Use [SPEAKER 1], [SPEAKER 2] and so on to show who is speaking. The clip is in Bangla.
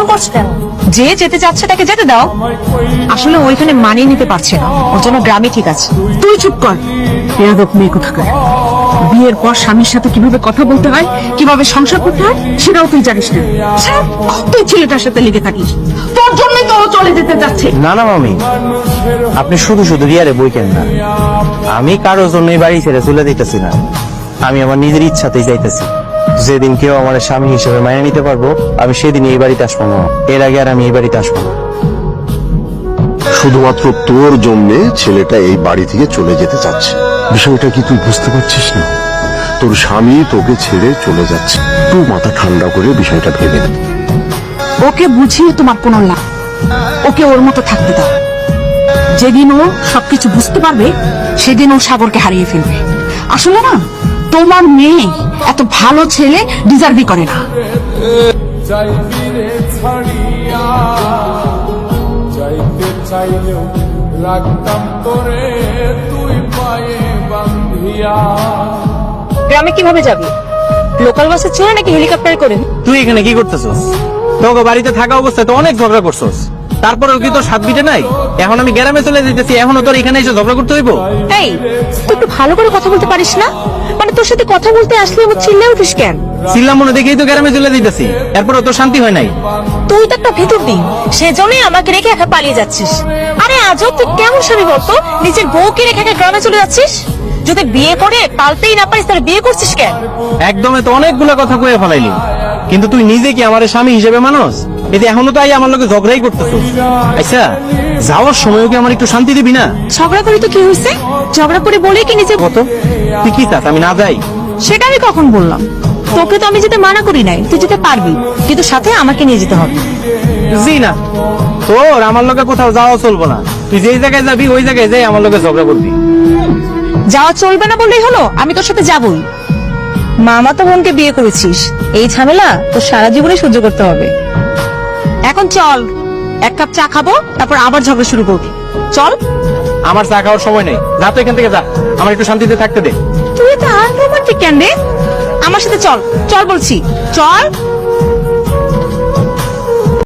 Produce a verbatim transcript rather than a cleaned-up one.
[SPEAKER 1] এমন করছো কেন?
[SPEAKER 2] যে যেতে চাচ্ছে তাকে যেতে দাও। আসলে ওইখানে মানিয়ে নিতে পারছে না, ওর জন্য গ্রামে ঠিক আছে।
[SPEAKER 3] তুই চুপ কর, বেয়াদব মেয়ে কোথাকার। বিয়ের পর স্বামীর সাথে কিভাবে কথা বলতে হয়, কিভাবে সংসার করতে হয় সেটাও তুই জানিস না। সারা তুই ছেলেটার সাথে লেগে থাকিস, তোর জন্যই তো ও চলে যেতে যাচ্ছে।
[SPEAKER 4] না না মামি, আপনি শুধু শুধু রিয়ারে বই কেন না। আমি কারোর জন্য এই বাড়ি ছেড়ে চলে দিতেছি না, আমি আমার নিজের ইচ্ছাতেই যাইতেছি। যেদিন কেউ আমার স্বামী হিসেবে মানিয়ে নিতে পারবো, আমি সেদিন এই বাড়িতে আসবো না। এর আগে আর আমি এই বাড়িতে আসবো না।
[SPEAKER 5] শুধুমাত্র তোর জন্যে ছেলেটা এই বাড়ি থেকে চলে যেতে চাচ্ছে। বিষয়টা কি তুই বুঝতে পারছিস না? তোর স্বামী তোকে ছেড়ে চলে যাচ্ছে, তুই মাথা ঠান্ডা করে বিষয়টা ভেবে নে।
[SPEAKER 3] ওকে বুঝিয়ে তোমার কোনো লাভ, ওকে ওর মতো থাকতে দাও। যেদিন ও সবকিছু বুঝতে পারবে সেদিন ও সাগরকে হারিয়ে ফেলবে। আসলে না, তোমার মেয়ে এত ভালো ছেলে ডিজার্ভই করে না।
[SPEAKER 2] গ্রামে কিভাবে যাবি? লোকাল বাসে চড়ে নাকি হেলিকপ্টার করে?
[SPEAKER 4] তুই এখানে কি করতেছস? তোকে বাড়িতে থাকা অবস্থায় তো অনেক ঝগড়া করছস, তারপরেও কি তোর সাত বিটে নাই? এখন আমি গ্রামে চলে যেতেছি, এখনো তোর এখানে এসে ঝগড়া করতে হইব?
[SPEAKER 2] এই, তুই একটু ভালো করে কথা বলতে পারিস না? মানে তোর সাথে কথা বলতে আসলে আমার চিল্লে উঠিস কেন?
[SPEAKER 4] ছিলাম মনে দেখেই তো গ্রামে চলে যেতেছি, এরপরও তোর শান্তি হয় নাই।
[SPEAKER 2] তুই তো একটা ভেতর দিন, সেজন্যই আমাকে রেখে একা পালিয়ে যাচ্ছিস। আরে আজও তুই কেমন স্বামী বলতো, নিজের বউকে রেখে একা গ্রামে চলে যাচ্ছিস? যদি বিয়ে করে পালতেই না পারিস তাহলে বিয়ে করছিস কেন?
[SPEAKER 4] একদমে তো অনেকগুলো কথা কয়ে ফেলাইলি, কিন্তু তুই নিজে কি আমার স্বামী হিসেবে মানুষ? এতে এখনো তো আই আমার লোকে ঝগড়াই করতেছিস। আচ্ছা, যাওয়ার সময়ও কি আমার একটু শান্তি দিবি না?
[SPEAKER 2] ঝগড়া করে তো কি হয়েছে? ঝগড়া করে বলে কি নিজে
[SPEAKER 4] কত তুই কি চাস আমি না যাই?
[SPEAKER 2] সেটা আমি কখন বললাম? তোকে তো আমি যেতে মানা করি নাই, তুই যেতে পারবি, কিন্তু সাথে আমাকে নিয়ে যেতে হবে।
[SPEAKER 4] জি না, তোর আমার লোকে কোথাও যাওয়া চলবো না। তুই যেই জায়গায় যাবি ওই জায়গায় যাই আমার লোকে ঝগড়া করবি।
[SPEAKER 2] যাওয়া চলবে না বললেই হলো, আমি তোর সাথে যাবই। মামা তো বোনকে বিয়ে করেছিস, এই ঝামেলা তোর সারা জীবনে সহ্য করতে হবে। এখন চল, এক কাপ চা খাবো, তারপর আবার ঝগড়া শুরু করবি। চল।
[SPEAKER 4] আমার চা খাওয়ার সময় নেই, যা তো এখান থেকে যা, আমার একটু শান্তিতে থাকতে দে।
[SPEAKER 2] তুই তো আনরোমান্টিক কেন রে? আমার সাথে চল, চল বলছি, চল।